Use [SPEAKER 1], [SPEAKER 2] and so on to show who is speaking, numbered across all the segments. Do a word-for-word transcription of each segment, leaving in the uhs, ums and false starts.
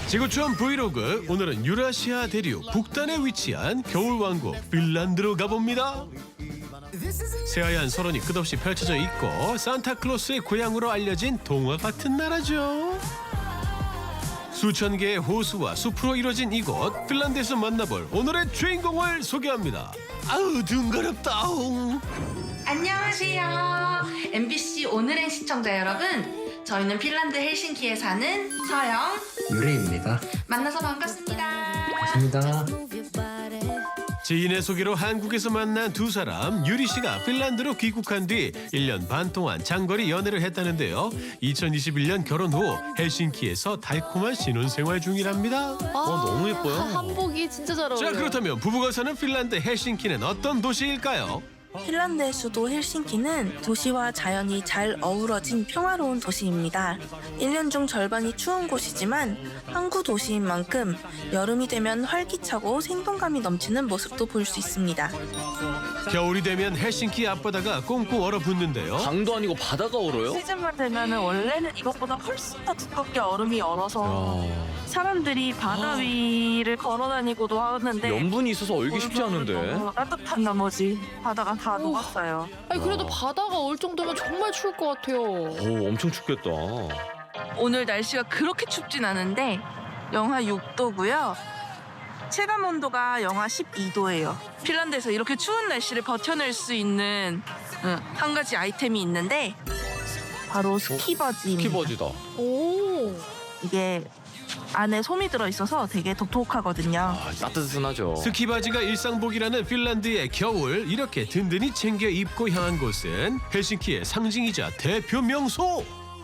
[SPEAKER 1] 지구촌 브이로그, 오늘은 유라시아 대륙 북단에 위치한 겨울왕국 핀란드로 가봅니다. 새하얀 설원이 끝없이 펼쳐져 있고 산타클로스의 고향으로 알려진 동화 같은 나라죠. 수천 개의 호수와 숲으로 이루어진 이곳, 핀란드에서 만나볼 오늘의 주인공을 소개합니다. 아우 둥그럽다.
[SPEAKER 2] 안녕하세요. 엠비씨 오늘의 시청자 여러분, 저희는 핀란드 헬싱키에 사는 서영,
[SPEAKER 3] 유리입니다.
[SPEAKER 2] 만나서 반갑습니다.
[SPEAKER 3] 반갑습니다.
[SPEAKER 1] 지인의 소개로 한국에서 만난 두 사람. 유리 씨가 핀란드로 귀국한 뒤 일 년 반 동안 장거리 연애를 했다는데요. 이천이십일 년 결혼 후 헬싱키에서 달콤한 신혼생활 중이랍니다.
[SPEAKER 4] 아,
[SPEAKER 1] 어, 너무 예뻐요.
[SPEAKER 4] 한복이 진짜 잘 어울려요.
[SPEAKER 1] 자, 그렇다면 부부가 사는 핀란드 헬싱키는 어떤 도시일까요?
[SPEAKER 5] 핀란드의 수도 헬싱키는 도시와 자연이 잘 어우러진 평화로운 도시입니다. 일 년 중 절반이 추운 곳이지만 항구 도시인 만큼 여름이 되면 활기차고 생동감이 넘치는 모습도 볼 수 있습니다.
[SPEAKER 1] 겨울이 되면 헬싱키 앞바다가 꽁꽁 얼어붙는데요.
[SPEAKER 6] 강도 아니고 바다가 얼어요?
[SPEAKER 5] 시즌만 되면 원래는 이것보다 훨씬 더 두껍게 얼음이 얼어서 사람들이 바다 위를 걸어다니고도 하는데
[SPEAKER 6] 염분이 있어서 얼기 쉽지 않은데.
[SPEAKER 5] 너무 따뜻한 나머지 바다가 다
[SPEAKER 4] 오.
[SPEAKER 5] 녹았어요.
[SPEAKER 4] 아니 그래도 바다가 올 정도면 정말 추울 것 같아요.
[SPEAKER 6] 오, 엄청 춥겠다.
[SPEAKER 5] 오늘 날씨가 그렇게 춥진 않은데 영하 육 도고요. 체감 온도가 영하 십이 도예요. 핀란드에서 이렇게 추운 날씨를 버텨낼 수 있는 응, 한 가지 아이템이 있는데 바로 스키바지입니다.
[SPEAKER 6] 스키버지다.
[SPEAKER 4] 오.
[SPEAKER 5] 이게 안에 솜이 들어있어서 되게 독특하거든요.
[SPEAKER 6] 아, 따뜻하죠.
[SPEAKER 1] 스키바지가 일상복이라는 핀란드의 겨울, 이렇게 든든히 챙겨 입고 향한 곳은 헬싱키의 상징이자 대표 명소.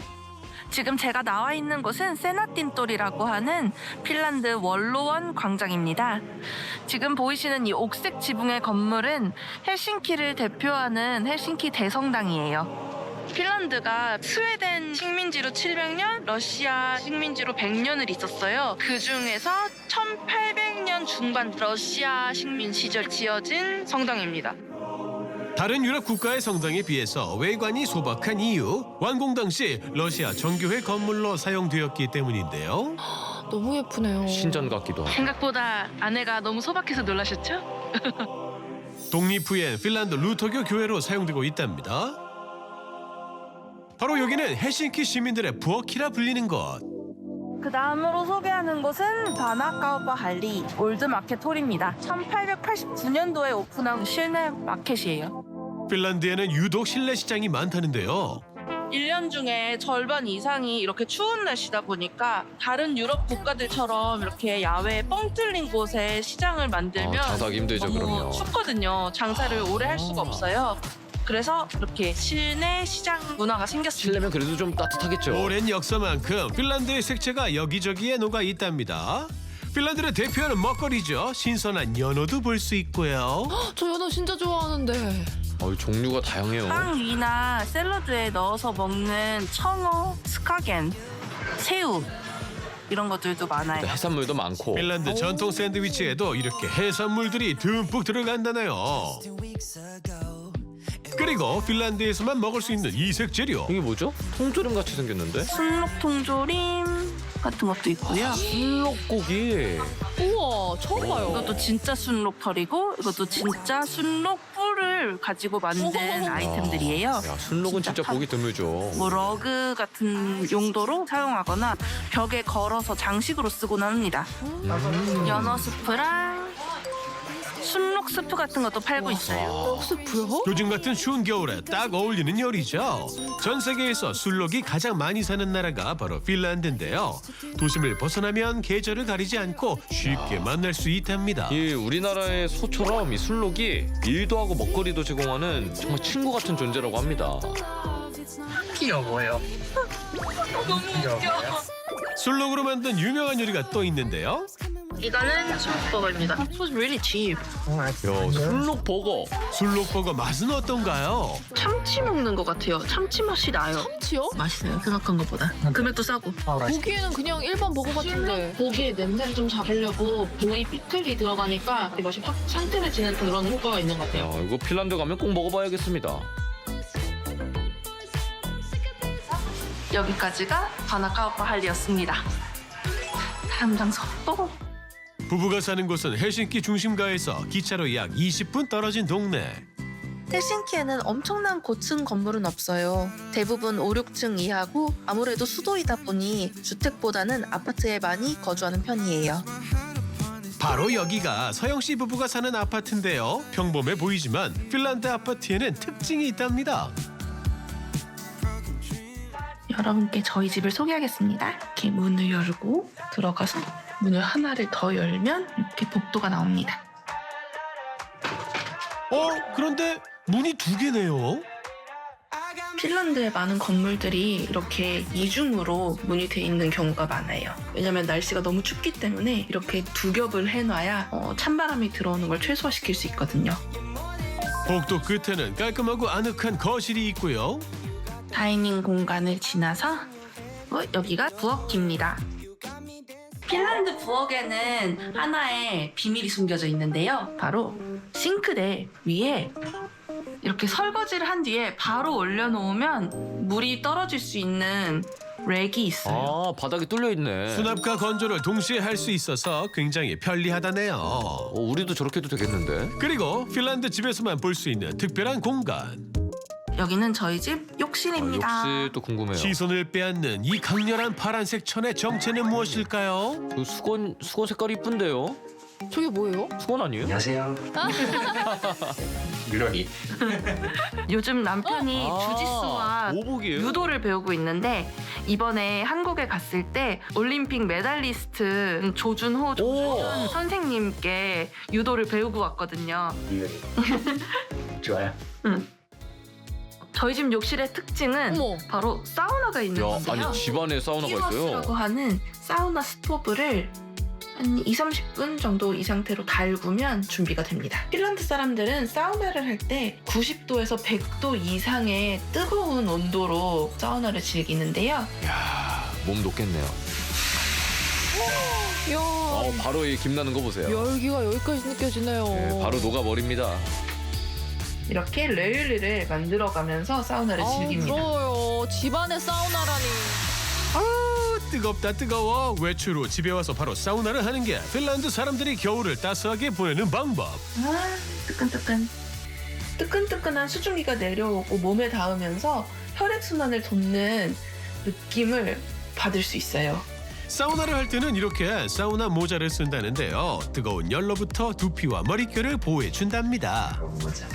[SPEAKER 5] 지금 제가 나와 있는 곳은 세나틴돌이라고 하는 핀란드 원로원 광장입니다. 지금 보이시는 이 옥색 지붕의 건물은 헬싱키를 대표하는 헬싱키 대성당이에요. 핀란드가 스웨덴 식민지로 칠백 년, 러시아 식민지로 백 년을 있었어요. 그 중에서 천팔백 년 중반 러시아 식민 시절 지어진 성당입니다.
[SPEAKER 1] 다른 유럽 국가의 성당에 비해서 외관이 소박한 이유, 완공 당시 러시아 정교회 건물로 사용되었기 때문인데요.
[SPEAKER 4] 너무 예쁘네요.
[SPEAKER 6] 신전 같기도 하고.
[SPEAKER 5] 생각보다 안에가 너무 소박해서 놀라셨죠?
[SPEAKER 1] 독립 후엔 핀란드 루터교 교회로 사용되고 있답니다. 바로 여기는 헬싱키 시민들의 부엌이라 불리는 곳.
[SPEAKER 5] 그 다음으로 소개하는 곳은 바나카우파 할리 올드마켓홀입니다. 천팔백팔십구 년도에 오픈한 실내 마켓이에요.
[SPEAKER 1] 핀란드에는 유독 실내 시장이 많다는데요.
[SPEAKER 5] 일 년 중에 절반 이상이 이렇게 추운 날씨다 보니까 다른 유럽 국가들처럼 이렇게 야외에 뻥 뚫린 곳에 시장을 만들면
[SPEAKER 6] 아, 장사하기 힘들죠,
[SPEAKER 5] 너무
[SPEAKER 6] 그럼요.
[SPEAKER 5] 춥거든요. 장사를 오래 할 수가 없어요. 그래서 이렇게 실내 시장 문화가 생겼습니다.
[SPEAKER 6] 실내면 그래도 좀 따뜻하겠죠.
[SPEAKER 1] 오랜 역사만큼 핀란드의 색채가 여기저기에 녹아 있답니다. 핀란드를 대표하는 먹거리죠. 신선한 연어도 볼 수 있고요.
[SPEAKER 4] 저 연어 진짜 좋아하는데.
[SPEAKER 6] 어, 종류가 다양해요.
[SPEAKER 5] 빵 위나 샐러드에 넣어서 먹는 청어, 스카겐, 새우 이런 것들도 많아요.
[SPEAKER 6] 해산물도 많고.
[SPEAKER 1] 핀란드 전통 샌드위치에도 이렇게 해산물들이 듬뿍 들어간다네요. 그리고 핀란드에서만 먹을 수 있는 이색 재료.
[SPEAKER 6] 이게 뭐죠? 통조림 같이 생겼는데?
[SPEAKER 5] 순록 통조림 같은 것도 있고요.
[SPEAKER 6] 순록고기.
[SPEAKER 4] 우와, 처음 봐요.
[SPEAKER 5] 이것도 진짜 순록 털이고 이것도 진짜 순록 뿔을 가지고 만든
[SPEAKER 4] 어허허허.
[SPEAKER 5] 아이템들이에요.
[SPEAKER 6] 야, 순록은 진짜
[SPEAKER 5] 진짜
[SPEAKER 6] 보기 드물죠.
[SPEAKER 5] 뭐 러그 같은 용도로 사용하거나 벽에 걸어서 장식으로 쓰곤 합니다.
[SPEAKER 6] 음.
[SPEAKER 5] 연어 스프랑 순록 스프 같은 것도 팔고 있어요.
[SPEAKER 4] 스프요?
[SPEAKER 1] 요즘 같은 추운 겨울에 딱 어울리는 요리죠. 전 세계에서 술록이 가장 많이 사는 나라가 바로 핀란드인데요. 도심을 벗어나면 계절을 가리지 않고 쉽게 만날 수 있답니다.
[SPEAKER 6] 이 우리나라의 소처럼 이 순록이 일도 하고 먹거리도 제공하는 정말 친구 같은 존재라고 합니다.
[SPEAKER 3] 귀여워요.
[SPEAKER 5] 너무 웃겨.
[SPEAKER 1] 술록으로 만든 유명한 요리가 또 있는데요.
[SPEAKER 5] 이거는 순록버거입니다. It was really cheap.
[SPEAKER 6] 야, 순록 버거.
[SPEAKER 1] 술록버거 맛은 어떤가요?
[SPEAKER 5] 참치 먹는 것 같아요. 참치 맛이 나요.
[SPEAKER 4] 참치요?
[SPEAKER 5] 맛있어요. 생각한 것보다. 금액도 싸고.
[SPEAKER 4] 보기에는 그냥 일반 버거 같은데.
[SPEAKER 7] 고기의 냄새를 좀 잡으려고 부위 피클이 들어가니까 맛이 확 상큼해지는 그런 효과가 있는 것 같아요.
[SPEAKER 6] 야, 이거 핀란드 가면 꼭 먹어봐야겠습니다.
[SPEAKER 5] 여기까지가 바나카우파 할리였습니다. 다음 장소 또
[SPEAKER 1] 부부가 사는 곳은 헬싱키 중심가에서 기차로 약 이십 분 떨어진 동네.
[SPEAKER 5] 헬싱키에는 엄청난 고층 건물은 없어요. 대부분 오, 육 층 이하고 아무래도 수도이다 보니 주택보다는 아파트에 많이 거주하는 편이에요.
[SPEAKER 1] 바로 여기가 서영 씨 부부가 사는 아파트인데요. 평범해 보이지만 핀란드 아파트에는 특징이 있답니다.
[SPEAKER 5] 여러분께 저희 집을 소개하겠습니다. 이렇게 문을 열고 들어가서 문을 하나를 더 열면 이렇게 복도가 나옵니다.
[SPEAKER 1] 어? 그런데 문이 두 개네요.
[SPEAKER 5] 핀란드의 많은 건물들이 이렇게 이중으로 문이 돼 있는 경우가 많아요. 왜냐면 날씨가 너무 춥기 때문에 이렇게 두 겹을 해놔야 어, 찬바람이 들어오는 걸 최소화시킬 수 있거든요.
[SPEAKER 1] 복도 끝에는 깔끔하고 아늑한 거실이 있고요.
[SPEAKER 5] 다이닝 공간을 지나서 어, 여기가 부엌입니다. 핀란드 부엌에는 하나의 비밀이 숨겨져 있는데요. 바로 싱크대 위에 이렇게 설거지를 한 뒤에 바로 올려놓으면 물이 떨어질 수 있는 렉이 있어요.
[SPEAKER 6] 아, 바닥이 뚫려 있네.
[SPEAKER 1] 수납과 건조를 동시에 할 수 있어서 굉장히 편리하다네요.
[SPEAKER 6] 어, 우리도 저렇게 해도 되겠는데?
[SPEAKER 1] 그리고 핀란드 집에서만 볼 수 있는 특별한 공간.
[SPEAKER 5] 여기는 저희 집
[SPEAKER 6] 아,
[SPEAKER 5] 욕실입니다.
[SPEAKER 6] 역시 또 궁금해요.
[SPEAKER 1] 시선을 빼앗는 이 강렬한 파란색 천의 정체는 무엇일까요?
[SPEAKER 6] 그 수건 수건 색깔이 이쁜데요?
[SPEAKER 4] 저게 뭐예요?
[SPEAKER 6] 수건 아니에요?
[SPEAKER 3] 안녕하세요. 유럽이.
[SPEAKER 5] 요즘 남편이
[SPEAKER 6] 아,
[SPEAKER 5] 주짓수와
[SPEAKER 6] 오복이에요?
[SPEAKER 5] 유도를 배우고 있는데 이번에 한국에 갔을 때 올림픽 메달리스트 조준호 조준현
[SPEAKER 6] 오.
[SPEAKER 5] 선생님께 유도를 배우고 왔거든요.
[SPEAKER 3] 유럽이. 좋아요.
[SPEAKER 5] 저희 집 욕실의 특징은
[SPEAKER 4] 어머.
[SPEAKER 5] 바로 사우나가 있는
[SPEAKER 6] 야,
[SPEAKER 5] 건데요.
[SPEAKER 6] 아니 집안에 사우나가
[SPEAKER 5] 히어스라고
[SPEAKER 6] 있어요.
[SPEAKER 5] 하는 사우나 스토브를 한 이, 삼십 분 정도 이 상태로 달구면 준비가 됩니다. 핀란드 사람들은 사우나를 할 때 구십 도에서 백 도 이상의 뜨거운 온도로 사우나를 즐기는데요.
[SPEAKER 6] 야, 몸 녹겠네요.
[SPEAKER 4] 이야,
[SPEAKER 6] 어, 바로 이 김 나는 거 보세요.
[SPEAKER 4] 열기가 여기까지 느껴지네요.
[SPEAKER 6] 네, 바로 녹아버립니다.
[SPEAKER 5] 이렇게 레일리를 만들어가면서 사우나를
[SPEAKER 4] 아우,
[SPEAKER 5] 즐깁니다.
[SPEAKER 4] 부러워요. 집안에 사우나라니.
[SPEAKER 1] 아, 뜨겁다 뜨거워. 외출 후 집에 와서 바로 사우나를 하는 게 핀란드 사람들이 겨울을 따스하게 보내는 방법.
[SPEAKER 5] 아, 뜨끈뜨끈. 뜨끈뜨끈한 수증기가 내려오고 몸에 닿으면서 혈액순환을 돕는 느낌을 받을 수 있어요.
[SPEAKER 1] 사우나를 할 때는 이렇게 사우나 모자를 쓴다는데요. 뜨거운 열로부터 두피와 머릿결을 보호해 준답니다.
[SPEAKER 3] 맞아.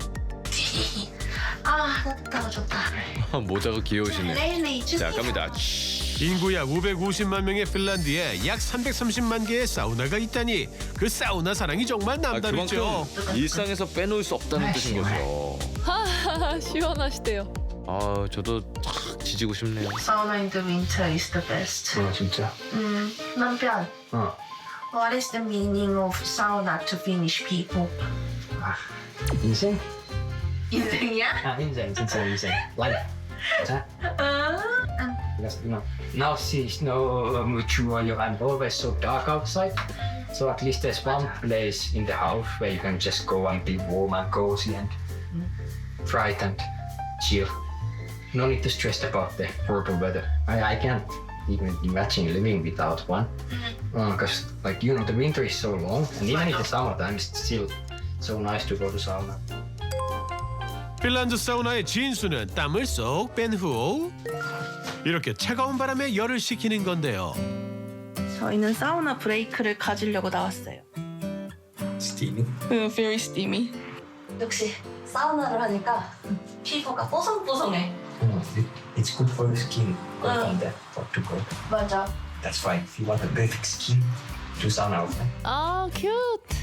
[SPEAKER 5] 아, 따뜻하고 좋다.
[SPEAKER 6] 모자가 귀여우시네.
[SPEAKER 5] 레일리
[SPEAKER 6] 자, 갑니다.
[SPEAKER 1] 인구 약 오백오십만 명의 핀란드에 약 삼백삼십만 개의 사우나가 있다니 그 사우나 사랑이 정말
[SPEAKER 6] 아,
[SPEAKER 1] 남다르죠.
[SPEAKER 6] 그만큼 일상에서 빼놓을 수 없다는 뜻인 거죠.
[SPEAKER 4] 시원하시대요.
[SPEAKER 6] 아, 저도 착 지지고 싶네요.
[SPEAKER 5] Sauna in the winter is the best.
[SPEAKER 3] 어, 진짜.
[SPEAKER 5] 음, 남편.
[SPEAKER 3] 어.
[SPEAKER 5] What is the meaning of sauna to Finnish people?
[SPEAKER 3] 인생?
[SPEAKER 5] 인생이야?
[SPEAKER 3] 아, 인생, 진짜 인생. Life. 자. Because, you know, now she's no mature, you I'm always so dark outside. So at least there's one place in the house where you can just go and be warm and cozy and bright and chill. No need to stress about the horrible weather. I, I can't even imagine living without one. Because, uh, like, you know, the winter is so long, and even in the summertime, it's still so nice to go to sauna.
[SPEAKER 1] 핀란드 사우나의 진수는 땀을 쏙 뺀 후 이렇게 차가운 바람에 열을 식히는 건데요.
[SPEAKER 5] 저희는 사우나 브레이크를 가지려고 나왔어요.
[SPEAKER 3] Steamy.
[SPEAKER 5] Very steamy.
[SPEAKER 2] 역시 사우나를 하니까 피부가 뽀송뽀송해.
[SPEAKER 3] It, it's good for your skin. Go on that for to go.
[SPEAKER 2] 맞아.
[SPEAKER 3] That's why if you want a perfect skin, do sauna. Okay?
[SPEAKER 4] 아, 큐트.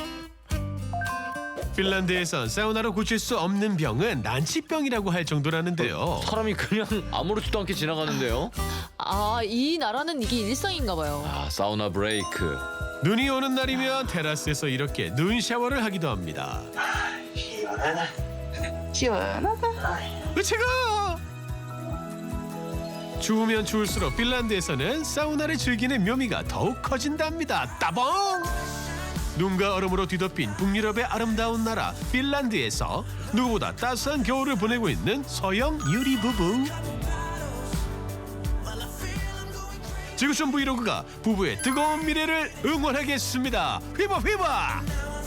[SPEAKER 1] 핀란드에선 사우나로 고칠 수 없는 병은 난치병이라고 할 정도라는데요.
[SPEAKER 6] 사람이 그냥 아무렇지도 않게 지나가는데요.
[SPEAKER 4] 아, 이 나라는 이게 일상인가 봐요.
[SPEAKER 6] 아, 사우나 브레이크.
[SPEAKER 1] 눈이 오는 날이면 테라스에서 이렇게 눈 샤워를 하기도 합니다.
[SPEAKER 5] 시원하다.
[SPEAKER 1] 으차가! 추우면 추울수록 핀란드에서는 사우나를 즐기는 묘미가 더욱 커진답니다. 따봉! 눈과 얼음으로 뒤덮인 북유럽의 아름다운 나라 핀란드에서 누구보다 따스한 겨울을 보내고 있는 서영 유리 부부. 지구촌 브이로그가 부부의 뜨거운 미래를 응원하겠습니다. 휘바 휘바.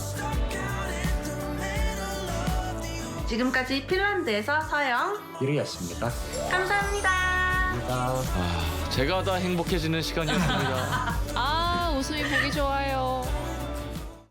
[SPEAKER 2] 지금까지 핀란드에서 서영
[SPEAKER 3] 유리였습니다.
[SPEAKER 2] 감사합니다.
[SPEAKER 6] 아, 제가 다 행복해지는 시간이었습니다.
[SPEAKER 4] 아 웃음이 보기 좋아요.